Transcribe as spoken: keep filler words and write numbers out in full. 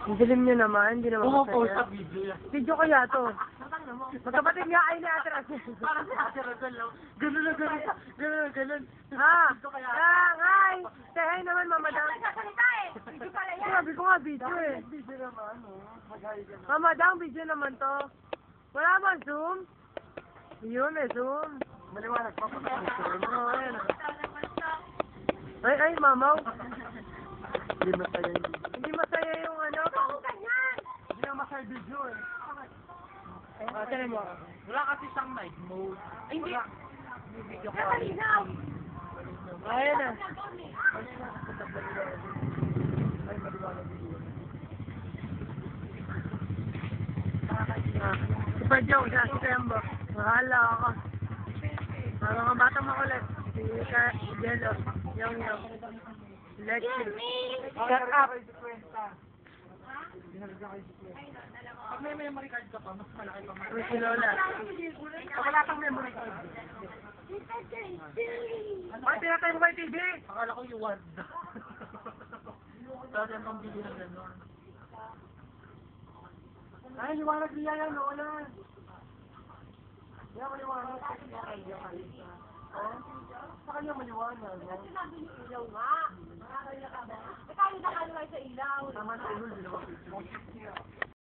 Ang dilim nyo naman, hindi naman Oo, masaya. post up video yan. Video kaya to. Magkapatid nga kayo ni Ate Rachel. Parang si Ate Rachel, no? Ganun na ganun. Ganun na ganun. Ha? Video kaya. Ah, hi! Say hi naman, Mama Dang. Nagsasalita eh. Video pala yan. Sabi ko nga, video eh. Video naman, no? Mag-hi ka na. Mama Dang, video naman to. Wala ba Zoom? Yun, may Zoom. Maliwanag pa pa. Oo, ayan. Ay, ay, mamaw. Hindi masaya yun. Hindi masaya yung ano. Hindi na masaya video eh. Ah, tinan mo. Wala kasi siyang night mode. Ay, hindi. Video ka. Malinaw. Ayan na. Ay, maliwanag video. Ah, super joke siya, si Kembo. Mahala ako. Mga mga batang makulit. Si Ka, Jello. Yung yung. Lexi. Shut up. Pag may memory card ka pa, mas malaki pa. Uy, si Lola. Pag wala kang memory card. Ay, pinatay mo ba yung T V? Akala ko yung word. Dati ang pambili ng gano'n. Ay, liwanag niya yan, Lola. Yan, maliwanag. Oh, sa kanya maliwanag. Ilaw nga. Nakakaya ka ba? Eh, tayo na kayo sa ilaw. Tama na, ulul, dalawa.